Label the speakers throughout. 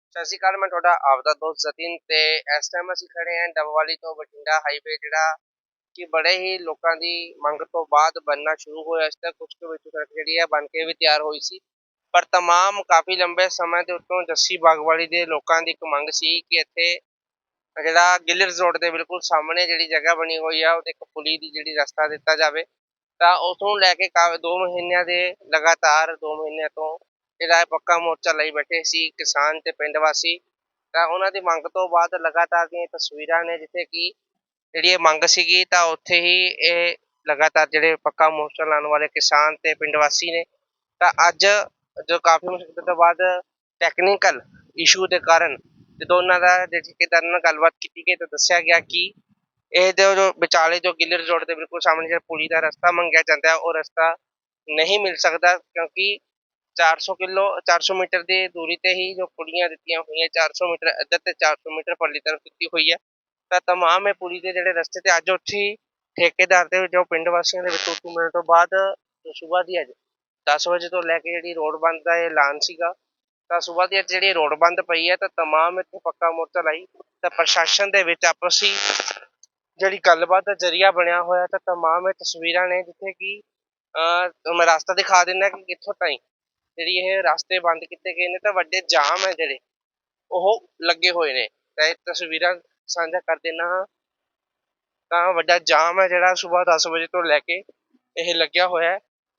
Speaker 1: ਸਤਿ ਸ਼੍ਰੀ ਅਕਾਲ। ਮੈਂ ਤੁਹਾਡਾ ਆਪਦਾ ਦੋਸਤ ਜਤਿਨ ਤੇ ਇਸ ਟਾਈਮ ਅਸੀਂ ਖੜੇ ਹਾਂ ਡੱਬਵਾਲੀ ਤੋਂ ਬਠਿੰਡਾ ਹਾਈਵੇ, ਜਿਹੜਾ ਕਿ ਬੜੇ ਹੀ ਲੋਕਾਂ ਦੀ ਮੰਗ ਤੋਂ ਬਾਅਦ ਬਣਨਾ ਸ਼ੁਰੂ ਹੋਇਆ। ਇਸ ਤੱਕ ਕੁਝ ਕੁ ਵਿੱਚ ਸੜਕ ਜਿਹੜੀ ਹੈ ਬਣ ਕੇ ਵੀ ਤਿਆਰ ਹੋਈ ਸੀ, ਪਰ ਤਮਾਮ ਕਾਫੀ ਲੰਬੇ ਸਮੇਂ ਦੇ ਉੱਤੋਂ ਜੱਸੀ ਬਾਗਵਾਲੀ ਦੇ ਲੋਕਾਂ ਦੀ ਇੱਕ ਮੰਗ ਸੀ ਕਿ ਇੱਥੇ ਜਿਹੜਾ ਗਿੱਲਰਸ ਰੋਡ ਦੇ ਬਿਲਕੁਲ ਸਾਹਮਣੇ ਜਿਹੜੀ ਜਗ੍ਹਾ ਬਣੀ ਹੋਈ ਆ ਉਹਦੇ ਇੱਕ ਪੁਲੀ ਦੀ ਜਿਹੜੀ ਰਸਤਾ ਦਿੱਤਾ ਜਾਵੇ। ਤਾਂ ਉਸਨੂੰ ਲੈ ਕੇ 2 ਮਹੀਨਿਆਂ ਦੇ ਲਗਾਤਾਰ 2 ਮਹੀਨਿਆਂ ਤੋਂ ਜਿਹੜਾ ਪੱਕਾ ਮੋਰਚਾ ਲਈ ਬੈਠੇ ਸੀ ਕਿਸਾਨ ਤੇ ਪਿੰਡ ਵਾਸੀ। ਤਾਂ ਉਹਨਾਂ ਦੀ ਮੰਗ ਤੋਂ ਬਾਅਦ ਲਗਾਤਾਰ ਦੀਆਂ ਤਸਵੀਰਾਂ ਨੇ ਜਿੱਥੇ ਕਿ ਜਿਹੜੀ ਇਹ ਮੰਗ ਸੀਗੀ, ਤਾਂ ਉੱਥੇ ਹੀ ਇਹ ਲਗਾਤਾਰ ਜਿਹੜੇ ਪੱਕਾ ਮੋਰਚਾ ਲਾਉਣ ਵਾਲੇ ਕਿਸਾਨ ਤੇ ਪਿੰਡ ਵਾਸੀ ਨੇ, ਤਾਂ ਅੱਜ ਜੋ ਕਾਫੀ ਮੁਸ਼ਕਲ ਤੋਂ ਬਾਅਦ ਟੈਕਨੀਕਲ ਇਸ਼ੂ ਦੇ ਕਾਰਨ ਜਦੋਂ ਉਹਨਾਂ ਦਾ ਠੇਕੇਦਾਰ ਨਾਲ ਗੱਲਬਾਤ ਕੀਤੀ ਗਈ ਤਾਂ ਦੱਸਿਆ ਗਿਆ ਕਿ ਇਹ ਜੋ ਵਿਚਾਲੇ ਜੋ ਗਿੱਲਰ ਰੋਡ ਦੇ ਬਿਲਕੁਲ ਸਾਹਮਣੇ ਜਿਹੜਾ ਪੁਲੀ ਦਾ ਰਸਤਾ ਮੰਗਿਆ ਜਾਂਦਾ ਉਹ ਰਸਤਾ ਨਹੀਂ ਮਿਲ ਸਕਦਾ, ਕਿਉਂਕਿ 400 ਮੀਟਰ ਦੀ ਦੂਰੀ ਤੇ ਹੀ ਜੋ ਪੁਲੀਆਂ ਦਿੱਤੀਆਂ ਹੋਈਆਂ, 400 ਮੀਟਰ ਇੱਧਰ ਤੇ 400 ਮੀਟਰ ਪਰਲੀ ਤਰਫ ਦਿੱਤੀ ਹੋਈ ਹੈ। ਤਾਂ ਤਮਾਮ ਇਹ ਪੁਲੀ ਦੇ ਜਿਹੜੇ ਰਸਤੇ ਤੇ ਅੱਜ ਉੱਥੇ ਠੇਕੇਦਾਰ ਦੇ ਜੋ ਪਿੰਡ ਵਾਸੀਆਂ ਦੇ ਵਿੱਚ ਉੱਤੋਂ ਮਿਲਣ ਤੋਂ ਬਾਅਦ ਸੁਬਾਹ ਦੀ ਅੱਜ 10 ਵਜੇ ਤੋਂ ਲੈ ਕੇ ਜਿਹੜੀ ਰੋਡ ਬੰਦ ਦਾ ਐਲਾਨ ਸੀਗਾ, ਤਾਂ ਸੁਬਾਹ ਦੀ ਅੱਜ ਜਿਹੜੀ ਰੋਡ ਬੰਦ ਪਈ ਹੈ। ਤਾਂ ਤਮਾਮ ਇੱਥੇ ਪੱਕਾ ਮੋਰਚਾ ਲਾਈ ਤਾਂ ਪ੍ਰਸ਼ਾਸਨ ਦੇ ਵਿੱਚ ਆਪਸੀ ਜਿਹੜੀ ਗੱਲਬਾਤ ਦਾ ਜ਼ਰੀਆ ਬਣਿਆ ਹੋਇਆ। ਤਾਂ ਤਮਾਮ ਇਹ ਤਸਵੀਰਾਂ ਨੇ ਜਿੱਥੇ ਕਿ ਮੈਂ ਰਸਤਾ ਦਿਖਾ ਦਿੰਦਾ ਕਿ ਕਿੱਥੋਂ ਤਾਈਂ ਜਿਹੜੀ ਇਹ ਰਸਤੇ ਬੰਦ ਕੀਤੇ ਗਏ ਨੇ, ਤਾਂ ਵੱਡੇ ਜਾਮ ਹੈ ਜਿਹੜੇ ਉਹ ਲੱਗੇ ਹੋਏ ਨੇ। ਤਾਂ ਇਹ ਤਸਵੀਰਾਂ ਸਾਂਝਾ ਕਰ ਦੇਣਾ ਹਾਂ। ਤਾਂ ਵੱਡਾ ਜਾਮ ਹੈ ਜਿਹੜਾ ਸੁਬਾਹ 10 ਵਜੇ ਤੋਂ ਲੈ ਕੇ ਇਹ ਲੱਗਿਆ ਹੋਇਆ ਹੈ।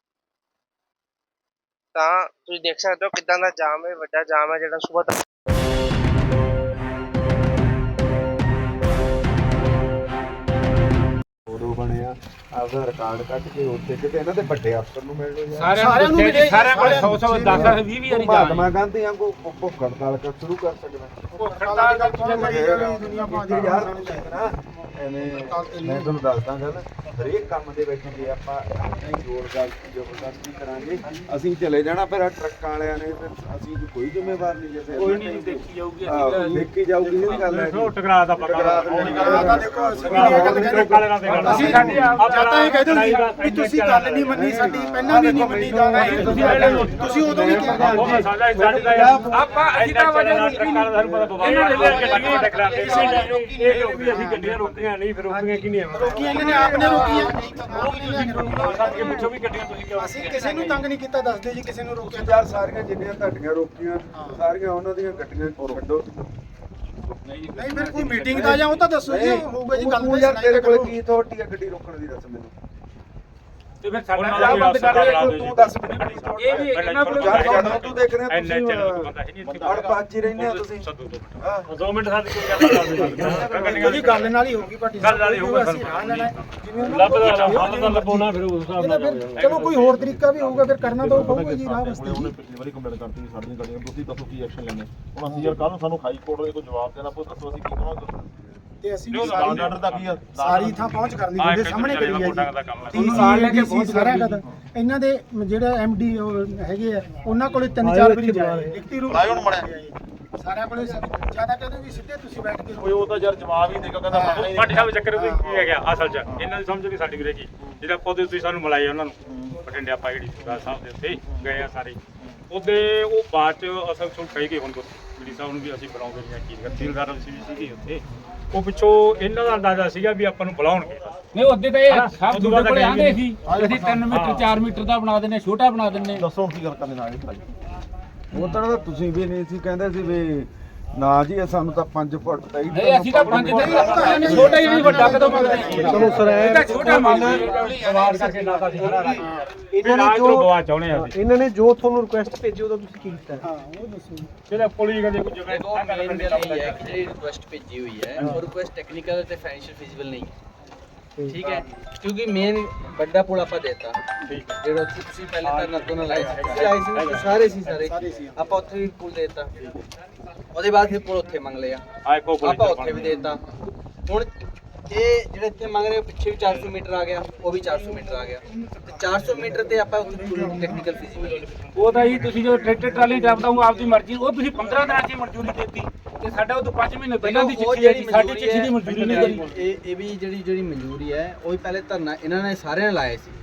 Speaker 1: ਤਾਂ ਤੁਸੀਂ ਦੇਖ ਸਕਦੇ ਹੋ ਕਿੱਦਾਂ ਦਾ ਜਾਮ ਹੈ, ਵੱਡਾ ਜਾਮ ਹੈ ਜਿਹੜਾ ਸੁਬਾਹ
Speaker 2: ਬਣਿਆ ਆਪਦਾ ਰਿਕਾਰਡ ਕੱਢ ਕੇ ਉੱਥੇ ਕਿਤੇ ਇਹਨਾਂ ਦੇ ਵੱਡੇ ਅਫਸਰ ਨੂੰ ਮਿਲ ਲਓ ਯਾਰ।
Speaker 3: ਸਾਰਿਆਂ ਨੂੰ ਮਿਲੇ, ਸਾਰਿਆਂ ਕੋਲ 100 10 20 ਵਾਰੀ
Speaker 2: ਮਹਾਤਮਾ ਗਾਂਧੀ ਵਾਂਗੂ ਭੁੱਖ ਹੜਤਾਲ ਕਰ ਸ਼ੁਰੂ ਕਰ ਸਕਦਾ।
Speaker 3: ਭੁੱਖ ਹੜਤਾਲ ਕਰ
Speaker 2: ਯਾਰ ਐਵੇਂ ਮੈਂ ਤੁਹਾਨੂੰ ਦੱਸਦਾ ਗੱਲ, ਹਰੇਕ ਕੰਮ ਦੇ ਵਿੱਚ ਜੇ ਆਪਾਂ ਆਪਣੇ ਜ਼ੋਰਦਾਰ ਜ਼ਬਰਦਸਤੀ ਕਰਾਂਗੇ ਅਸੀਂ ਚਲੇ ਜਾਣਾ, ਫਿਰ ਟਰੱਕਾਂ ਵਾਲਿਆਂ ਨੇ ਅਸੀਂ ਕੋਈ ਜ਼ਿੰਮੇਵਾਰ ਨਹੀਂ। ਜੇ
Speaker 3: ਕੋਈ ਨਹੀਂ ਦੇਖੀ ਜਾਊਗੀ,
Speaker 2: ਦੇਖੀ ਜਾਊਗੀ ਇਹ ਗੱਲ ਹੈ।
Speaker 3: ਟਕਰਾ ਦਾ ਪਤਾ
Speaker 4: ਦੇਖੋ ਅਸੀਂ ਸਾਡੀ ਤਾਂ ਇਹ ਕਹਿੰਦੇ ਸੀ ਵੀ ਤੁਸੀਂ ਗੱਲ ਨਹੀਂ ਮੰਨੀ, ਸਾਡੀ ਪਹਿਲਾਂ ਵੀ ਨਹੀਂ ਮੰਨੀ ਜਾਣਾ, ਤੁਸੀਂ ਉਦੋਂ ਵੀ ਕਿਹਾ
Speaker 3: ਉਹ ਸਾਡਾ ਸਾਡੇ ਦਾ ਆਪਾਂ ਅਸੀਂ ਤਾਂ ਵਜੇ ਟਰੱਕਾਂ ਦਾ ਸਾਨੂੰ ਪਤਾ ਇਹਨਾਂ ਨੇ ਗੱਡੀਆਂ ਟਕਰਾ ਦੇ ਇਹ ਵੀ ਅਸੀਂ ਗੱਡੀਆਂ ਰੋਕੀਆਂ ਨਹੀਂ, ਫਿਰ ਰੋਕੀਆਂ ਕਿ ਨਹੀਂ
Speaker 4: ਰੋਕੀਆਂ ਇਹਨਾਂ ਨੇ ਆਪਨੇ ਰੋਕੀਆਂ।
Speaker 3: ਸਾਡੇ ਪਿੱਛੋਂ ਵੀ ਗੱਡੀਆਂ ਤੁਸੀਂ ਕਿਉਂ
Speaker 4: ਅਸੀਂ ਕਿਸੇ ਨੂੰ ਤੰਗ ਨਹੀਂ ਕੀਤਾ, ਦੱਸਦੇ ਜੀ ਕਿਸੇ ਨੂੰ ਰੋਕਿਆ।
Speaker 2: ਯਾਰ ਸਾਰੀਆਂ ਜਿੰਨੀਆਂ ਤੁਹਾਡੀਆਂ ਰੋਕੀਆਂ ਸਾਰੀਆਂ ਉਹਨਾਂ ਦੀਆਂ ਗੱਡੀਆਂ ਕੱਢੋ।
Speaker 4: ਨਹੀਂ ਫਿਰ ਕੋਈ ਮੀਟਿੰਗ ਦਾ ਜਾਂ ਉਹ ਤਾਂ ਦੱਸੋ ਜੀ ਹੋਊਗਾ ਜੀ ਗੱਲ।
Speaker 2: ਯਾਰ ਤੇਰੇ ਕੋਲ ਕੀ ਅਥਾਰਟੀ ਹੈ ਗੱਡੀ ਰੋਕਣ ਦੀ, ਦੱਸ ਮੈਨੂੰ।
Speaker 3: ਤੇ ਫਿਰ ਸਾਡਾ ਬੰਦ ਕਰ
Speaker 2: ਤੂੰ ਦੱਸ ਮੈਨੂੰ।
Speaker 3: ਇਹ ਵੀ ਇਹਨਾਂ ਕੋਲ
Speaker 2: ਜਦੋਂ ਤੂੰ ਦੇਖ ਰਿਹਾ
Speaker 3: ਐਨਾ ਚੈਨਲ ਤੋਂ ਬੰਦਾ ਹੈ ਨਹੀਂ ਇੱਥੇ
Speaker 2: ਅੜਪਾਚ ਹੀ ਰਹਿੰਦੇ ਆ ਤੁਸੀਂ।
Speaker 3: 2 ਮਿੰਟ ਸਾਡੀ ਕੋਈ ਗੱਲ
Speaker 4: ਜੀ ਗੱਲ ਨਾਲ ਹੀ ਹੋਊਗੀ ਭਾਟੀ
Speaker 3: ਗੱਲ ਨਾਲ ਹੀ ਹੋਊਗਾ।
Speaker 4: ਅਸੀਂ ਰਾਹ ਲੈਣਾ ਜਿਵੇਂ
Speaker 3: ਲੱਭਦਾ ਹੱਲ ਦਾ ਲੱਭੋਣਾ, ਫਿਰ ਉਸ ਹਿਸਾਬ ਨਾਲ
Speaker 4: ਚਲੋ ਕੋਈ ਹੋਰ ਤਰੀਕਾ ਵੀ ਹੋਊਗਾ, ਫਿਰ ਕਰਨਾ ਤਾਂ ਪਊਗਾ ਜੀ ਰਾਹ ਵਾਸਤੇ।
Speaker 5: ਉਹਨੇ ਪਿਛਲੀ ਵਾਰੀ ਕੰਪਲੇਂਟ ਕਰਤੀ ਸਾਡੀਆਂ ਗੱਡੀਆਂ, ਤੁਸੀਂ ਦੱਸੋ ਕੀ ਐਕਸ਼ਨ ਲੈਣੇ। ਹੁਣ ਅਸੀਂ ਯਾਰ ਕੱਲ ਨੂੰ ਸਾਨੂੰ ਹਾਈ ਕੋਰਟ ਦੇ ਕੋਈ ਜਵਾਬ ਦੇਣਾ ਪਊ, ਦੱਸੋ ਅਸੀਂ ਕੀ ਕਰਾਂਗੇ।
Speaker 4: ਤੇ ਅਸੀਂ
Speaker 5: ਆਰਡਰ ਦਾ ਕੀ ਆ,
Speaker 4: ਸਾਰੀ ਥਾਂ ਪਹੁੰਚ ਕਰਨੀ ਹੁੰਦੇ ਸਾਹਮਣੇ ਕਰੀ ਹੈ
Speaker 3: ਦਾ ਕੰਮ
Speaker 4: ਜੀ। ਸਾਰਿਆਂ ਦਾ ਇਹਨਾਂ ਦੇ ਜਿਹੜਾ ਐਮਡੀ ਹੈਗੇ ਆ ਉਹਨਾਂ ਕੋਲੇ 3-4 ਵਾਰੀ ਜਾਏ ਲਿਖਤੀ ਰੂਪ ਸਾਰਿਆਂ ਕੋਲੇ ਜਿਆਦਾ ਕਹਿੰਦੇ ਵੀ ਸਿੱਧੇ ਤੁਸੀਂ ਬੈਠ ਕੇ
Speaker 5: ਕੋਈ ਉਹ ਤਾਂ ਯਾਰ ਜਵਾਬ ਹੀ ਦੇਗਾ, ਕਹਿੰਦਾ ਪਤਾ ਨਹੀਂ।
Speaker 3: ਸਾਡੇ ਸਾਹਿਬ ਚੱਕਰ ਕੀ ਹੈ ਗਿਆ ਅਸਲ 'ਚ ਇਹਨਾਂ ਦੀ ਸਮਝ ਨਹੀਂ ਸਾਡੀ ਵੀਰੇ ਕੀ, ਜਿਹੜਾ ਪੌਦੇ ਤੁਸੀਂ ਸਾਨੂੰ ਮਿਲਾਏ ਉਹਨਾਂ ਨੂੰ ਬਠਿੰਡੇ ਆਪਾਂ ਜਿਹੜੀ ਸੁਦਾ ਸਾਹਿਬ ਦੇ ਉੱਤੇ ਗਏ ਆ ਸਾਰੇ ਉਹਦੇ, ਉਹ ਬਾਅਦ 'ਚ ਅਸਲ 'ਚ ਕਹੀ ਗਏ ਹੁਣ ਜਿਹੜੀ ਸਾਹਿਬ ਨੂੰ ਵੀ ਅਸੀਂ ਬੁਲਾਉਂਦੇ ਨਹੀਂ ਕੀ ਤਹਿਸੀਲਦਾਰ ਸੀ ਵੀ ਸੀਗੀ ਉੱਥੇ, ਉਹ ਪਿੱਛੋਂ ਇਹਨਾਂ ਦਾ ਅੰਦਾਜ਼ਾ ਸੀਗਾ ਵੀ ਆਪਾਂ ਨੂੰ ਬੁਲਾਉਣਗੇ।
Speaker 6: ਨਹੀਂ ਉਹਦੇ ਤਾਂ ਇਹ ਸਭ ਦੂਜੇ ਕੋਲੇ ਆਂਦੇ ਸੀ ਅਸੀਂ 3 ਮੀਟਰ 4 ਮੀਟਰ ਦਾ ਬਣਾ ਦਿੰਨੇ, ਛੋਟਾ ਬਣਾ ਦਿੰਨੇ।
Speaker 5: ਦੱਸੋ ਹੁਣ ਕੀ ਗੱਲ ਕਰਨੀ ਨਾਲ ਭਾਈ।
Speaker 2: ਉਹ ਤਾਂ ਤੁਸੀਂ ਵੀ ਨਹੀਂ ਸੀ ਕਹਿੰਦੇ ਸੀ ਵੀ ਨਾ ਜੀ ਸਾਨੂੰ ਤਾਂ 5 ਫੁੱਟ ਚਾਹੀਦਾ।
Speaker 6: ਨਹੀਂ ਅਸੀਂ ਤਾਂ 5 ਦੇ ਛੋਟਾ ਹੀ ਨਹੀਂ, ਵੱਡਾ ਕਦੋਂ ਮੰਗਦੇ।
Speaker 2: ਚਲੋ ਸਰ
Speaker 6: ਇਹ ਤਾਂ ਛੋਟਾ ਮੰਗਦਾ
Speaker 3: ਸਵਾਰ ਕਰਕੇ ਨਾ ਤਾਂ
Speaker 4: ਇਹਨਾਂ ਨੇ
Speaker 3: ਜੋ ਗਵਾ ਚਾਹੁੰਦੇ ਆ ਅਸੀਂ।
Speaker 4: ਇਹਨਾਂ ਨੇ ਜੋ ਤੁਹਾਨੂੰ ਰਿਕੁਐਸਟ ਭੇਜੀ ਉਹਦਾ ਤੁਸੀਂ ਕੀ ਕੀਤਾ? ਹਾਂ ਉਹ ਦੱਸੋ।
Speaker 3: ਜਿਹੜਾ ਪੁਲਿਸ ਕਹਿੰਦੇ ਕੋਈ ਜਗ੍ਹਾ
Speaker 7: ਦੇਖੋ ਮੇਨ ਗੱਲ ਇਹ ਹੈ ਕਿ ਜਿਹੜੀ ਰਿਕੁਐਸਟ ਭੇਜੀ ਹੋਈ ਹੈ ਉਹ ਰਿਕੁਐਸਟ ਟੈਕਨੀਕਲ ਤੇ ਫਾਈਨੈਂਸ਼ੀਅਲ ਫਿਜ਼ੀਬਲ ਨਹੀਂ ਹੈ, ਠੀਕ ਹੈ, ਕਿਉਂਕਿ ਮੇਨ ਵੱਡਾ ਪੁਲ ਆਪਾਂ ਦੇਤਾ ਜਿਹੜਾ ਤੁਸੀਂ ਪਹਿਲੇ ਤਾਂ ਨੱਤੋਂ ਨਾਲ ਲਾਇਆ ਸੀ, ਸਾਰੇ ਆਪਾਂ ਉੱਥੇ ਵੀ ਪੁਲ ਦੇਤਾ, ਉਹਦੇ ਬਾਅਦ ਫਿਰ ਪੁਲ ਉੱਥੇ ਮੰਗ ਲਿਆ, ਆਪਾਂ ਉੱਥੇ ਵੀ ਦੇਤਾ। ਹੁਣ ਇਹ ਜਿਹੜੇ ਇੱਥੇ ਮੰਗ ਰਹੇ ਪਿੱਛੇ ਵੀ 400 ਮੀਟਰ ਆ ਗਿਆ, ਉਹ ਵੀ 400 ਮੀਟਰ ਆ ਗਿਆ, ਤੇ 400 ਮੀਟਰ ਤੇ ਆਪਾਂ ਟੈਕਨੀਕਲ ਫਿਜ਼ੀਬਲ
Speaker 6: ਉਹ ਤਾਂ ਜੀ ਤੁਸੀਂ ਜੋ ਟਰੈਕਟਰ ਟਰਾਲੀ ਡਰਾਈਵਦਾ ਹੂੰ ਆਪਦੀ ਮਰਜ਼ੀ, ਉਹ ਤੁਸੀਂ 15 ਦਿਨਾਂ 'ਚ ਮਨਜ਼ੂਰੀ ਦਿੱਤੀ ਤੇ ਸਾਡਾ ਉਹ ਤੋਂ 5 ਮਹੀਨੇ ਪਹਿਲਾਂ ਦੀ ਚਿੱਠੀ ਹੈ, ਸਾਡੀ ਚਿੱਠੀ ਦੀ ਮਨਜ਼ੂਰੀ ਨਹੀਂ ਕਰੀ।
Speaker 7: ਇਹ ਵੀ ਜਿਹੜੀ ਮਨਜ਼ੂਰੀ ਹੈ ਉਹ ਵੀ ਪਹਿਲੇ ਧਰਨਾ ਇਹਨਾਂ ਨੇ ਸਾਰਿਆਂ ਨੇ ਲਾਇਆ ਸੀ,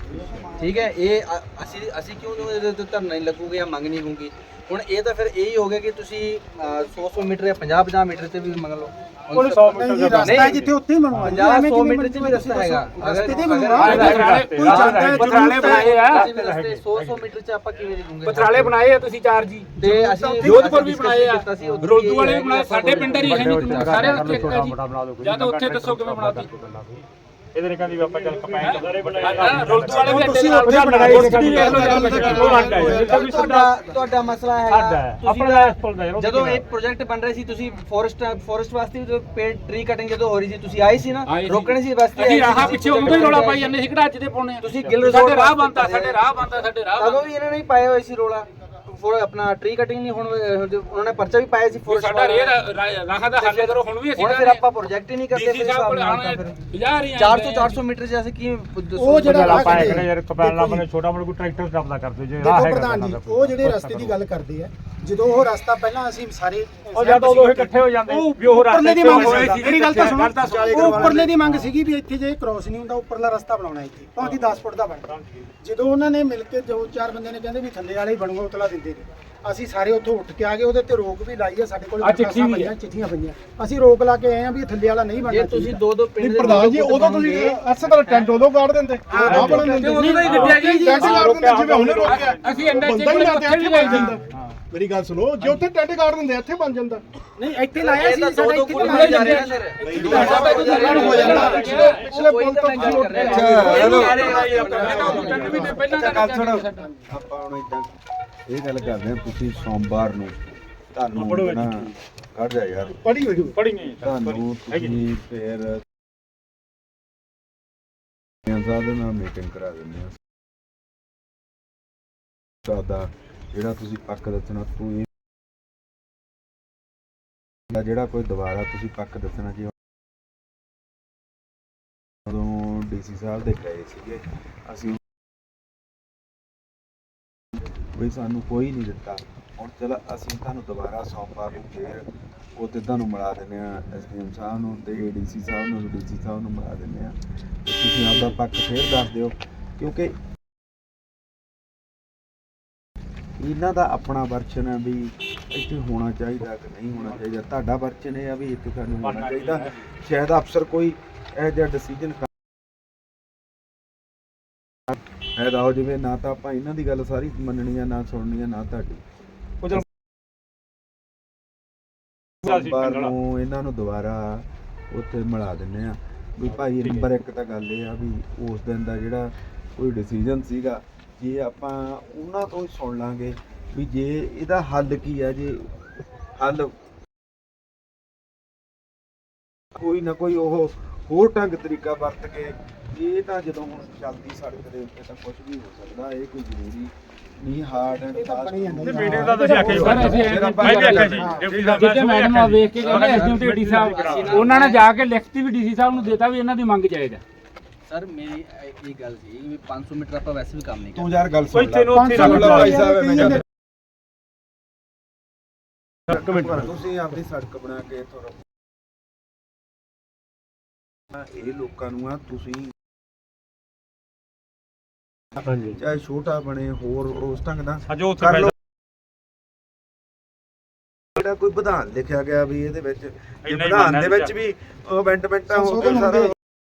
Speaker 7: ਠੀਕ ਹੈ। ਇਹ ਅਸੀਂ ਕਿਉਂ ਇਹਦੇ ਤੇ ਧਰਨਾ ਨਹੀਂ ਲੱਗੂਗੇ ਜਾਂ ਮੰਗ ਨਹੀਂ ਹੋਊਗੀ। ਹੁਣ ਇਹ ਤਾਂ ਫਿਰ ਇਹੀ ਹੋ ਗਿਆ ਕਿ ਤੁਸੀਂ 100 ਮੀਟਰ ਜਾਂ 50 ਮੀਟਰ ਤੇ ਵੀ ਮੰਗ ਲਓ।
Speaker 3: ਉਹਨੇ 100 ਮੀਟਰ
Speaker 4: ਨਹੀਂ ਰਸਤਾ ਹੈ ਜਿੱਥੇ ਉੱਥੇ ਹੀ ਬਣਵਾ
Speaker 7: 50-100 ਮੀਟਰ ਚ ਵੀ ਰਸਤਾ ਹੈਗਾ।
Speaker 4: ਰਸਤੇ ਤੇ ਬਣਵਾ ਕੋਈ ਜਾਂਦਾ ਹੈ
Speaker 6: ਪਥਰਾਲੇ ਬਣਾਏ ਆ
Speaker 7: 100 ਮੀਟਰ ਚ ਆਪਾਂ ਕਿਵੇਂ ਲਿਖੂਗੇ?
Speaker 6: ਪਥਰਾਲੇ ਬਣਾਏ ਆ ਤੁਸੀਂ 4 ਜੀ
Speaker 7: ਤੇ ਅਸੀਂ
Speaker 6: ਜੋਧਪੁਰ ਵੀ ਬਣਾਏ ਆ
Speaker 7: ਕੀਤਾ ਸੀ, ਉੱਥੇ
Speaker 6: ਰੋਲਦੂ ਵਾਲੇ ਵੀ
Speaker 7: ਇਹ
Speaker 6: ਬਣਾਏ ਸਾਡੇ ਪਿੰਡ ਹੀ ਹੈ ਨਹੀਂ ਸਾਰੇ ਉੱਥੇ ਇੱਕ ਹੈ ਜੀ
Speaker 3: ਬਣਾ ਦਿਓ ਕੋਈ।
Speaker 6: ਜਾਂ ਤਾਂ ਉੱਥੇ ਦੱਸੋ ਕਿਵੇਂ ਬਣਾਤੀ
Speaker 3: ਇਹਦੇ ਨੇ ਕਹਿੰਦੀ ਵੀ ਆਪਾਂ ਚੱਲ ਕਪੈਨ ਸਾਰੇ
Speaker 6: ਰੋਲਦੂ ਵਾਲੇ ਵੀ
Speaker 4: ਤੁਸੀਂ
Speaker 6: ਅੱਡੇ
Speaker 4: ਉੱਥੇ
Speaker 6: ਨਾਲ
Speaker 4: ਬਣਾਏ
Speaker 6: ਵੇਖ ਲਓ
Speaker 3: ਉਹ ਅੱਡ ਹੈ ਜਿੱਥੇ ਵੀ
Speaker 7: ਤੁਹਾਡਾ ਮਸਲਾ ਹੈਗਾ
Speaker 3: ਆਪਣਾ
Speaker 7: ਤੁਸੀਂ
Speaker 3: ਇਸ ਪੁੱਲ ਦਾ ਯਾਰ
Speaker 7: ਜਦੋਂ ਇਹ ਪ੍ਰੋਜੈਕਟ ਬਣ ਰਿਹਾ ਸੀ ਤੁਸੀਂ ਫੋਰੈਸਟ ਵਾਸਤੇ ਜਦੋਂ ਪੇੜ ਟਰੀ ਕਟਿੰਗ ਜਦੋਂ ਹੋ ਰਹੀ ਸੀ ਤੁਸੀਂ ਆਏ ਸੀ ਨਾ
Speaker 6: ਆਏ ਸੀ।
Speaker 7: ਰੋਕਣੇ ਸੀ ਵਾਸਤੇ
Speaker 6: ਅਸੀਂ ਰਾਹਾਂ ਪਿੱਛੇ ਉਦੋਂ ਹੀ ਰੋਲਾ ਪਾਈ ਜਾਂਦੇ ਸੀ ਕਿਹੜਾ ਅੱਜ ਦੇ ਪਾਉਣੇ ਆ
Speaker 7: ਤੁਸੀਂ ਗਿੱਲ
Speaker 6: ਸਾਡੇ
Speaker 7: resort
Speaker 6: ਰਾਹ
Speaker 7: ਵਾਸਤੇ
Speaker 6: ਬੰਦਾ ਸਾਡੇ ਰਾਹ ਬੰਦਾ ਸਾਡੇ ਰਾਹ
Speaker 7: ਤਦੋਂ ਵੀ ਇਹਨਾਂ ਨੇ ਹੀ ਪਾਏ ਹੋਏ ਸੀ ਰੋਲਾ ਆਪਣਾ ਟਰੀ ਕਟਿੰਗ ਨਹੀਂ ਹੁਣ ਉਹਨਾਂ ਨੇ ਪਰਚਾ ਵੀ ਪਾਇਆ ਸੀ ਫੋਰੈਸਟ
Speaker 6: ਸਾਡਾ ਰਾਹਾਂ ਦਾ ਹੱਲ ਕਰੋ ਹੁਣ ਵੀ ਅਸੀਂ
Speaker 7: ਹੁਣ ਫਿਰ ਆਪਾਂ ਪ੍ਰੋਜੈਕਟ ਹੀ ਨਹੀਂ ਕਰਦੇ
Speaker 6: ਡੀਸੀ ਸਾਹਿਬ ਕੋਲ ਆਉਣੇ 50
Speaker 7: 400 400 ਮੀਟਰ ਜੈਸੇ ਕੀ
Speaker 4: ਉਹ ਜਿਹੜਾ ਰਾਹ
Speaker 3: ਪਾਇਆ
Speaker 4: ਖੜੇ
Speaker 3: ਕਿਹੜਾ ਯਾਰ ਕਪੈਨ ਲਾ ਬਣੇ ਛੋਟਾ ਮੋਟਾ ਕੋਈ ਟਰੈਕਟਰ ਚੱਲਦਾ ਕਰਦੇ ਜੇ ਰਾਹ
Speaker 4: ਦੇਖੋ
Speaker 3: ਹੈਗਾ
Speaker 4: ਪ੍ਰਧਾਨ ਜੀ ਉਹ ਜਿਹੜੇ ਰਸਤੇ ਦੀ ਗੱਲ ਕਰਦੇ ਆ ਜਦੋਂ ਉਹ ਰਸਤਾ ਪਹਿਲਾਂ ਅਸੀਂ ਸਾਰੇ
Speaker 3: ਉਹ ਜਦ ਉਦੋਂ ਇਹ ਇਕੱਠੇ ਹੋ ਜਾਂਦੇ ਵੀ ਉਹ
Speaker 4: ਉੱਪਰਲੇ ਦੀ
Speaker 3: ਰਸਤੇ
Speaker 4: ਮੰਗ
Speaker 3: ਹੋਏ
Speaker 4: ਸੀ ਮੇਰੀ ਗੱਲ ਤਾਂ ਸੁਣੋ ਉਹ ਉੱਪਰਲੇ ਦੀ ਮੰਗ ਸੀਗੀ ਵੀ ਇੱਥੇ ਜੇ ਕ੍ਰੋਸ ਨਹੀਂ ਹੁੰਦਾ ਉੱਪਰਲਾ ਰਸਤਾ ਬਣਾਉਣਾ ਇੱਥੇ ਭਾਵੇਂ 10 ਫੁੱਟ ਦਾ ਬਣ ਜਦੋਂ ਉਹਨਾਂ ਨੇ ਮਿਲ ਕੇ ਦੋ ਚਾਰ ਬੰਦੇ ਨੇ ਕਹਿੰਦੇ ਵੀ ਥੱਲੇ ਵਾਲੇ ਹੀ ਬਣੂਗਾ ਉਤਲਾ ਦਿੰਦੇ ਨੇ ਅਸੀਂ ਸਾਰੇ ਉੱਥੋਂ ਉੱਠ ਕੇ ਆ ਗਏ ਉਹਦੇ ਤੇ ਰੋਕ ਵੀ ਲਾਈ ਆ ਸਾਡੇ ਕੋਲ ਚਿੱਠੀਆਂ ਪਈਆਂ ਅਸੀਂ ਰੋਕ ਲਾ ਕੇ ਆਏ ਆ ਵੀ ਇਹ ਥੱਲੇ ਵਾਲਾ ਨਹੀਂ ਬਣਨਾ
Speaker 7: ਜੇ ਤੁਸੀਂ ਦੋ ਪਿੰਡ ਦੇ
Speaker 5: ਪ੍ਰਧਾਨ ਜੀ ਉਦੋਂ ਤੁਸੀਂ ਅਰਸੇ ਦਾ ਟੈਂਟ ਉਦੋਂ ਕਾੜ ਦਿੰਦੇ ਆ ਬਣਨ ਦਿੰਦੇ
Speaker 6: ਉਦੋਂ ਦਾ ਹੀ ਗੱਡਿਆ ਜੀ
Speaker 5: ਟੈਂਟ ਕਾੜ ਦਿੰਦੇ ਜਿਵੇਂ ਹੁਣੇ ਰੋਕਿਆ
Speaker 6: ਅਸੀਂ ਅੰਡਾ
Speaker 5: ਬੰਦਾ ਹੀ
Speaker 6: ਚੇਕ
Speaker 5: ਨਾ ਤੇ ਇੱਥੇ ਬਣ ਜਾਂਦਾ ਮੇਰੀ ਗੱਲ ਸੁਣੋ ਜੇ ਉੱਥੇ ਟੈਂਟ ਕਾੜ ਦਿੰਦੇ ਇੱਥੇ ਬਣ ਜਾਂਦਾ
Speaker 4: ਨਹੀਂ ਇੱਥੇ ਲਾਇਆ ਸੀ
Speaker 7: ਦੋ
Speaker 4: ਸਾਡਾ
Speaker 7: ਦੋ
Speaker 4: ਇੱਥੇ
Speaker 7: ਕੋਲ
Speaker 4: ਲਾਇਆ
Speaker 7: ਜਾ ਰਹੇ ਨਾ
Speaker 5: ਹੋ ਜਾਂਦਾ ਪਿਛਲੇ ਪੁਲ ਤੋਂ
Speaker 2: ਗੱਲ ਸੁਣੋ ਆਪਾਂ ਹੁਣ ਇਦਾਂ ਇਹ ਗੱਲ ਕਰਦੇ ਆ ਤੁਸੀਂ ਸੋਮਵਾਰ ਨੂੰ ਤੁਹਾਨੂੰ ਨਾ ਕੱਢ ਜਾ ਯਾਰ
Speaker 5: ਪੜੀ ਹੋਈ
Speaker 3: ਪੜੀਆਂ
Speaker 2: ਤੁਹਾਨੂੰ ਤੁਸੀਂ ਫਿਰ ਸਾਹਿਬ ਦੇ ਨਾਲ ਮੀਟਿੰਗ ਕਰਾ ਦਿੰਦੇ ਆ ਸਾਡਾ ਜਿਹੜਾ ਤੁਸੀਂ ਪੱਕ ਦੱਸਣਾ ਕੋਈ ਜਿਹੜਾ ਕੋਈ ਦੁਬਾਰਾ ਤੁਸੀਂ ਪੱਕ ਦੱਸਣਾ ਜੀ ਉਦੋਂ ਡੀਸੀ ਸਾਹਿਬ ਦੇ ਗਏ ਸੀਗੇ ਅਸੀਂ ਵੀ ਸਾਨੂੰ ਕੋਈ ਨਹੀਂ ਦਿੱਤਾ ਹੁਣ ਚਲ ਅਸੀਂ ਤੁਹਾਨੂੰ ਦੁਬਾਰਾ ਸੋਮਵਾਰ ਨੂੰ ਫੇਰ ਉੱਥੇ ਤੁਹਾਨੂੰ ਮਿਲਾ ਦਿੰਦੇ ਆ ਐਸਡੀਐਮ ਸਾਹਿਬ ਨੂੰ ਤੇ ਏਡੀਸੀ ਸਾਹਿਬ ਨੂੰ ਡੀਸੀ ਸਾਹਿਬ ਨੂੰ ਮਿਲਾ ਦਿੰਦੇ ਆ ਤੇ ਤੁਸੀਂ ਆਪਦਾ ਪੱਖ ਫੇਰ ਦੱਸ ਦਿਓ ਕਿਉਂਕਿ ਇਹਨਾਂ ਦਾ ਆਪਣਾ ਵਰਸ਼ਨ ਹੈ ਵੀ ਇੱਥੇ ਹੋਣਾ ਚਾਹੀਦਾ ਕਿ ਨਹੀਂ ਹੋਣਾ ਚਾਹੀਦਾ ਤੁਹਾਡਾ ਵਰਸ਼ਨ ਇਹ ਆ ਵੀ ਇੱਥੇ ਸਾਨੂੰ ਹੋਣਾ ਚਾਹੀਦਾ ਸ਼ਾਇਦ ਅਫਸਰ ਕੋਈ ਇਹ ਜਿਹਾ ਡਿਸੀਜਨ ਫਾਇਦਾ ਹੋ ਜਾਵੇ ਨਾ ਤਾਂ ਆਪਾਂ ਇਹਨਾਂ ਦੀ ਗੱਲ ਸਾਰੀ ਮੰਨਣੀ ਆ ਨਾ ਸੁਣਨੀ ਆ ਨਾ ਤੁਹਾਡੀ ਸੋਮਵਾਰ ਨੂੰ ਇਹਨਾਂ ਨੂੰ ਦੁਬਾਰਾ ਉੱਥੇ ਮਿਲਾ ਦਿੰਦੇ ਆ ਵੀ ਭਾਈ ਨੰਬਰ 1 ਤਾਂ ਗੱਲ ਇਹ ਆ ਵੀ ਉਸ ਦਿਨ ਦਾ ਜਿਹੜਾ ਕੋਈ ਡਿਸੀਜਨ ਸੀਗਾ ਜੇ ਆਪਾਂ ਉਹਨਾਂ ਤੋਂ ਹੀ ਸੁਣ ਲਾਂਗੇ ਵੀ ਜੇ ਇਹਦਾ ਹੱਲ ਕੀ ਆ ਜੇ ਹੱਲ ਕੋਈ ਨਾ ਕੋਈ ਉਹ ਹੋਰ ਢੰਗ ਤਰੀਕਾ ਵਰਤ ਕੇ ਇਹ ਤਾਂ ਜਦੋਂ ਹੁਣ ਚੱਲਦੀ ਸੜਕ ਦੇ ਉੱਤੇ ਤਾਂ ਕੁਝ ਵੀ ਹੋ ਸਕਦਾ ਇਹ ਕੋਈ ਜ਼ਰੂਰੀ ਨਹੀਂ ਹਾਰਡ ਐਂਡ ਫਾਸਟ
Speaker 3: ਮੀਟਿੰਗ ਦਾ ਤੁਸੀਂ ਆਖਿਆ
Speaker 6: ਸਰ ਅਸੀਂ
Speaker 3: ਮੈਂ ਵੀ ਆਖਿਆ ਜੀ ਡਿਪਟੀ ਸਾਹਿਬ
Speaker 6: ਜਿੱਥੇ ਮੈਡਮ ਆ ਵੇਖ ਕੇ ਕਹਿੰਦੇ ਐਸਡੀਐਮ ਤੇ ਡੀ ਸਾਹਿਬ ਉਹਨਾਂ ਨੇ ਜਾ ਕੇ ਲਿਖਤੀ ਵੀ ਡੀਸੀ ਸਾਹਿਬ ਨੂੰ ਦੇਤਾ ਵੀ ਇਹਨਾਂ ਦੀ ਮੰਗ ਜਾਇਜ਼ ਹੈ
Speaker 7: ਸਰ ਮੇਰੀ ਇਹ ਗੱਲ ਸੀ ਵੀ 500 ਮੀਟਰ ਆਪਾਂ ਵੈਸੇ ਵੀ ਕੰਮ ਨਹੀਂ
Speaker 2: ਤੂੰ
Speaker 7: ਕਰਦੇ
Speaker 2: ਯਾਰ ਗੱਲ
Speaker 3: ਕੋਈ
Speaker 2: ਸੁਣ
Speaker 3: ਤੈਨੂੰ ਉੱਥੇ ਰੱਖ
Speaker 2: ਲੈ ਭਾਈ ਸਾਹਿਬ
Speaker 3: ਮੈਂ
Speaker 2: ਤੁਸੀਂ ਆਪਣੀ ਸੜਕ ਬਣਾ ਕੇ ਥੋੜਾ ਇਹ ਲੋਕਾਂ ਨੂੰ ਆ ਤੁਸੀਂ
Speaker 3: ਹਾਂਜੀ
Speaker 2: ਚਾਹੇ ਛੋਟਾ ਬਣੇ ਹੋਰ ਉਸ ਢੰਗ ਦਾ
Speaker 3: ਅੱਜ ਉੱਥੇ
Speaker 2: ਕਰ ਲਓ ਜਿਹੜਾ ਕੋਈ ਵਿਧਾਨ ਲਿਖਿਆ ਗਿਆ ਵੀ ਇਹਦੇ ਵਿੱਚ ਜੇ ਵਿਧਾਨ ਦੇ ਵਿੱਚ ਵੀ ਅਮੈਂਡਮੈਂਟਾਂ ਹੋ ਕੇ ਸਾਰਾ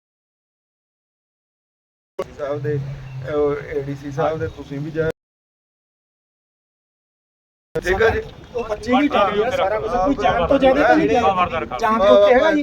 Speaker 2: ਸਾਹਿਬ ਦੇ ਏਡੀਸੀ ਸਾਹਿਬ ਦੇ ਤੁਸੀਂ ਵੀ ਜਾ ਠੀਕ ਹੈ ਜੀ
Speaker 4: ਉਹ ਬੱਚੇ ਵੀ ਠੀਕ ਹੈ ਸਾਰਾ ਕੁਝ ਕੋਈ ਜਾਨ ਤੋਂ ਜ਼ਿਆਦਾ ਤਾਂ ਨਹੀਂ ਜਾਨ ਤੋਂ ਉੱਤੇ ਹੈਗਾ ਜੀ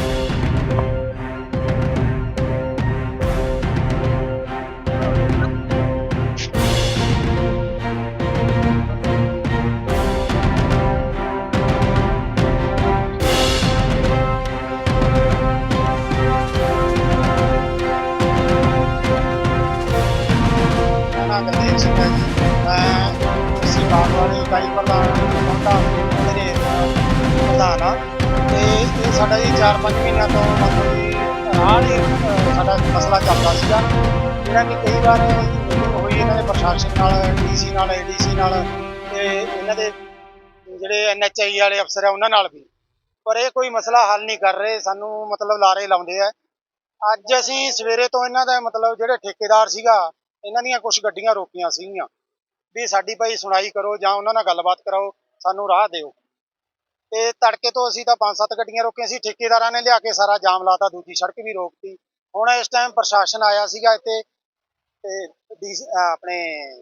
Speaker 8: ਗੁਰਦੇਵ ਸਿੰਘ ਹੈ ਜੀ ਮੈਂ ਅਸੀਂ ਬਾਗਵਾਨੀ ਇਕਾਈ ਪ੍ਰਧਾਨ ਮੇਰੇ ਪ੍ਰਧਾਨ ਆ ਤੇ ਇਹ ਸਾਡਾ ਜੀ 4-5 ਮਹੀਨਿਆਂ ਤੋਂ ਮਤਲਬ ਜੀ ਰਾਹ ਹੀ ਸਾਡਾ ਮਸਲਾ ਚੱਲਦਾ ਸੀਗਾ ਜਿਹੜਾ ਕਿ ਕਈ ਵਾਰ ਮੀਟਿੰਗ ਹੋਈ ਇਹਨਾਂ ਦੇ ਪ੍ਰਸ਼ਾਸਨ ਨਾਲ ਡੀਸੀ ਨਾਲ ਏਡੀਸੀ ਨਾਲ ਤੇ ਇਹਨਾਂ ਦੇ ਜਿਹੜੇ ਐਨਐਚਆਈ ਵਾਲੇ ਅਫਸਰ ਆ ਉਹਨਾਂ ਨਾਲ ਵੀ ਪਰ ਇਹ ਕੋਈ ਮਸਲਾ ਹੱਲ ਨਹੀਂ ਕਰ ਰਹੇ ਸਾਨੂੰ ਮਤਲਬ ਲਾਰੇ ਲਾਉਂਦੇ ਆ ਅੱਜ ਅਸੀਂ ਸਵੇਰੇ ਤੋਂ ਇਹਨਾਂ ਦਾ ਮਤਲਬ ਜਿਹੜੇ ਠੇਕੇਦਾਰ ਸੀਗਾ ਇਹਨਾਂ ਦੀਆਂ ਕੁਝ ਗੱਡੀਆਂ ਰੋਕੀਆਂ ਸੀਗੀਆਂ ਵੀ ਸਾਡੀ ਭਾਈ ਸੁਣਾਈ ਕਰੋ ਜਾਂ ਉਹਨਾਂ ਨਾਲ ਗੱਲਬਾਤ ਕਰਾਓ, ਸਾਨੂੰ ਰਾਹ ਦਿਓ। ਤੇ ਤੜਕੇ ਤੋਂ ਅਸੀਂ ਤਾਂ 5-7 ਗੱਡੀਆਂ ਰੋਕੀਆਂ ਸੀ, ਠੇਕੇਦਾਰਾਂ ਨੇ ਲਿਆ ਕੇ ਸਾਰਾ ਜਾਮ ਲਾਤਾ, ਦੂਜੀ ਸੜਕ ਵੀ ਰੋਕਤੀ। ਹੁਣ ਇਸ ਟਾਈਮ ਪ੍ਰਸ਼ਾਸਨ ਆਇਆ ਸੀਗਾ ਇੱਥੇ ਤੇ ਆਪਣੇ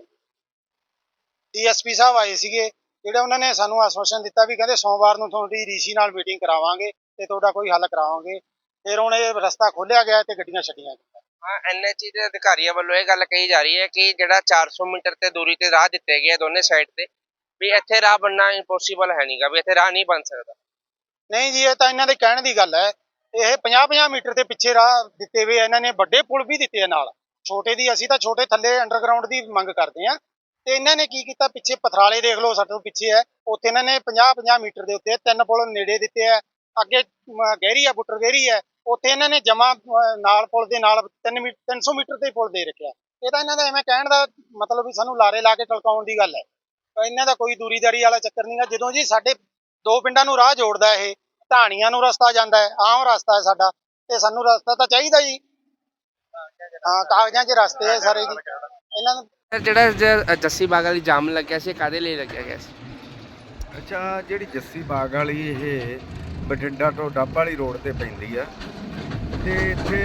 Speaker 8: ਡੀਐਸਪੀ ਸਾਹਿਬ ਆਏ ਸੀਗੇ, ਜਿਹੜੇ ਉਹਨਾਂ ਨੇ ਸਾਨੂੰ ਆਸ਼ਵਾਸਨ ਦਿੱਤਾ ਵੀ ਕਹਿੰਦੇ ਸੋਮਵਾਰ ਨੂੰ ਤੁਹਾਡੀ ਡੀਸੀ ਨਾਲ ਮੀਟਿੰਗ ਕਰਾਵਾਂਗੇ ਤੇ ਤੁਹਾਡਾ ਕੋਈ ਹੱਲ ਕਰਾਵਾਂਗੇ। ਫਿਰ ਹੁਣ ਇਹ ਰਸਤਾ ਖੋਲ੍ਹਿਆ ਗਿਆ ਤੇ ਗੱਡੀਆਂ ਛੱਡੀਆਂ ਗਈਆਂ।
Speaker 1: ਹਾਂ, ਐਨਐਚਏ ਦੇ ਅਧਿਕਾਰੀਆਂ ਵੱਲੋਂ ਇਹ ਗੱਲ ਕਹੀ ਜਾ ਰਹੀ ਹੈ ਕਿ ਜਿਹੜਾ 400 ਮੀਟਰ ਤੇ ਦੂਰੀ ਤੇ ਰਾਹ ਦਿੱਤੇ ਗਏ ਦੋਨੇ ਸਾਈਡ ਤੇ, ਵੀ ਇੱਥੇ ਰਾਹ ਬਣਨਾ ਇੰਪੋਸੀਬਲ ਹੈ ਨਹੀਂਗਾ, ਵੀ ਇੱਥੇ ਰਾਹ ਨਹੀਂ ਬਣ ਸਕਦਾ।
Speaker 8: ਨਹੀਂ ਜੀ, ਇਹ ਤਾਂ ਇਹਨਾਂ ਦੇ ਕਹਿਣ ਦੀ ਗੱਲ ਹੈ। ਇਹ 50-50 ਮੀਟਰ ਦੇ ਪਿੱਛੇ ਰਾਹ ਦਿੱਤੇ ਹੋਏ, ਇਹਨਾਂ ਨੇ ਵੱਡੇ ਪੁਲ ਵੀ ਦਿੱਤੇ ਆ ਨਾਲ। ਛੋਟੇ ਦੀ ਅਸੀਂ ਤਾਂ ਛੋਟੇ ਥੱਲੇ ਅੰਡਰਗਰਾਉਂਡ ਦੀ ਮੰਗ ਕਰਦੇ ਆ, ਤੇ ਇਹਨਾਂ ਨੇ ਕੀ ਕੀਤਾ, ਪਿੱਛੇ ਪਥਰਾਲੇ ਦੇਖ ਲਓ, ਸਾਡੇ ਤੋਂ ਪਿੱਛੇ ਹੈ, ਉੱਥੇ ਇਹਨਾਂ ਨੇ 50-50 ਮੀਟਰ ਦੇ ਉੱਤੇ 3 ਪੁਲ ਨੇੜੇ ਦਿੱਤੇ ਆ। ਅੱਗੇ ਗਹਿਰੀ ਆ, ਬੁੱਟਰ ਗਹਿਰੀ ਹੈ, ਉੱਥੇ ਇਹਨਾਂ ਨੇ ਜਮਾ ਨਾਲ ਪੁਲ ਦੇ ਨਾਲ 300 ਮੀਟਰ ਦੇ ਪੁਲ ਦੇ ਰੱਖਿਆ। ਇਹ ਤਾਂ ਇਹਨਾਂ ਦਾ ਐਵੇਂ ਕਹਿਣ ਦਾ ਮਤਲਬ ਵੀ ਸਾਨੂੰ ਲਾਰੇ ਲਾ ਕੇ ਟਲਕਾਉਣ ਦੀ ਗੱਲ ਹੈ। ਇਹਨਾਂ ਦਾ ਕੋਈ ਦੂਰੀਦਾਰੀ ਵਾਲਾ ਚੱਕਰ ਨਹੀਂਗਾ। ਜਦੋਂ ਜੀ ਸਾਡੇ 2 ਪਿੰਡਾਂ ਨੂੰ ਰਾਹ ਜੋੜਦਾ, ਇਹ ਢਾਣੀਆਂ ਨੂੰ ਰਸਤਾ ਜਾਂਦਾ ਹੈ, ਆਮ ਰਸਤਾ ਹੈ ਸਾਡਾ, ਤੇ ਸਾਨੂੰ ਰਸਤਾ ਤਾਂ ਚਾਹੀਦਾ ਜੀ। ਹਾਂ, ਕਾਗਜ਼ਾਂ 'ਚ ਰਸਤੇ ਹੈ ਸਾਰੇ ਜੀ ਇਹਨਾਂ ਨੂੰ।
Speaker 1: ਜਿਹੜਾ ਜੱਸੀ ਬਾਗ ਵਾਲੀ ਜਾਮ ਲੱਗਿਆ ਸੀ, ਕਾਹਦੇ ਲਈ ਲੱਗਿਆ ਗਿਆ ਸੀ?
Speaker 2: ਅੱਛਾ, ਜਿਹੜੀ ਜੱਸੀ ਬਾਗ ਵਾਲੀ ਇਹ ਬਠਿੰਡਾ ਤੋਂ ਡੱਬ ਵਾਲੀ ਰੋਡ ਤੇ ਪੈਂਦੀ ਆ, ਤੇ ਇੱਥੇ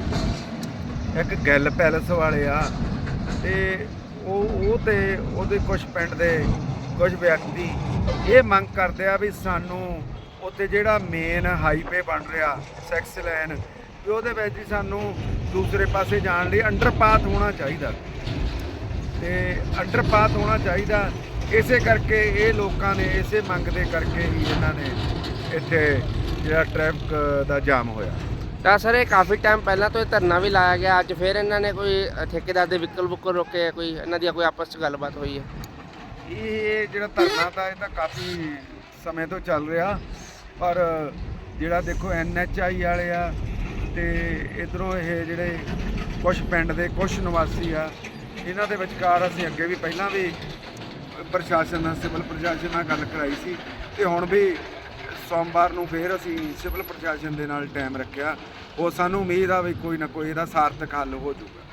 Speaker 2: ਇੱਕ ਗਿੱਲ ਪੈਲਸ ਵਾਲੇ ਆ, ਤੇ ਉਹ ਤੇ ਉਹਦੇ ਕੁਝ ਪਿੰਡ ਦੇ ਕੁਝ ਵਿਅਕਤੀ ਇਹ ਮੰਗ ਕਰਦੇ ਆ ਵੀ ਸਾਨੂੰ ਉੱਥੇ ਜਿਹੜਾ ਮੇਨ ਹਾਈਵੇ ਬਣ ਰਿਹਾ 6 ਲਾਈਨ, ਵੀ ਉਹਦੇ ਵਿੱਚ ਹੀ ਸਾਨੂੰ ਦੂਸਰੇ ਪਾਸੇ ਜਾਣ ਲਈ ਅੰਡਰਪਾਥ ਹੋਣਾ ਚਾਹੀਦਾ, ਤੇ ਅੰਡਰਪਾਥ ਹੋਣਾ ਚਾਹੀਦਾ। ਇਸੇ ਕਰਕੇ ਇਹ ਲੋਕਾਂ ਨੇ ਇਸੇ ਮੰਗ ਦੇ ਕਰਕੇ ਹੀ ਇਹਨਾਂ ਨੇ ਇੱਥੇ ਜਿਹੜਾ ਟ੍ਰੈਫਿਕ ਦਾ ਜਾਮ ਹੋਇਆ।
Speaker 1: ਤਾਂ ਸਰ, ਇਹ ਕਾਫੀ ਟਾਈਮ ਪਹਿਲਾਂ ਤੋਂ ਇਹ ਧਰਨਾ ਵੀ ਲਾਇਆ ਗਿਆ, ਅੱਜ ਫਿਰ ਇਹਨਾਂ ਨੇ ਕੋਈ ਠੇਕੇਦਾਰ ਦੇ ਵਹੀਕਲ ਬੁੱਕਰ ਰੋਕੇ, ਕੋਈ ਇਹਨਾਂ ਦੀ ਕੋਈ ਆਪਸ 'ਚ ਗੱਲਬਾਤ ਹੋਈ ਹੈ?
Speaker 2: ਇਹ ਜਿਹੜਾ ਧਰਨਾ ਤਾਂ ਇਹ ਤਾਂ ਕਾਫੀ ਸਮੇਂ ਤੋਂ ਚੱਲ ਰਿਹਾ, ਪਰ ਜਿਹੜਾ ਦੇਖੋ NHI ਵਾਲੇ ਆ ਤੇ ਇੱਧਰੋਂ ਇਹ ਜਿਹੜੇ ਕੁਝ ਪਿੰਡ ਦੇ ਕੁਝ ਨਿਵਾਸੀ ਆ, ਇਹਨਾਂ ਦੇ ਵਿਚਕਾਰ ਅਸੀਂ ਅੱਗੇ ਵੀ ਪਹਿਲਾਂ ਵੀ ਪ੍ਰਸ਼ਾਸਨ ਨਾਲ, ਸਿਵਲ ਪ੍ਰਸ਼ਾਸਨ ਨਾਲ ਗੱਲ ਕਰਾਈ ਸੀ, ਤੇ ਹੁਣ ਵੀ ਸੋਮਵਾਰ ਨੂੰ ਫਿਰ ਅਸੀਂ ਸਿਵਲ ਪ੍ਰਸ਼ਾਸਨ ਦੇ ਨਾਲ ਟਾਈਮ ਰੱਖਿਆ। ਉਹ ਸਾਨੂੰ ਉਮੀਦ ਆ ਵੀ ਕੋਈ ਨਾ ਕੋਈ ਇਹਦਾ ਸਾਰਥਕ ਹੱਲ ਹੋ ਜਾਊਗਾ।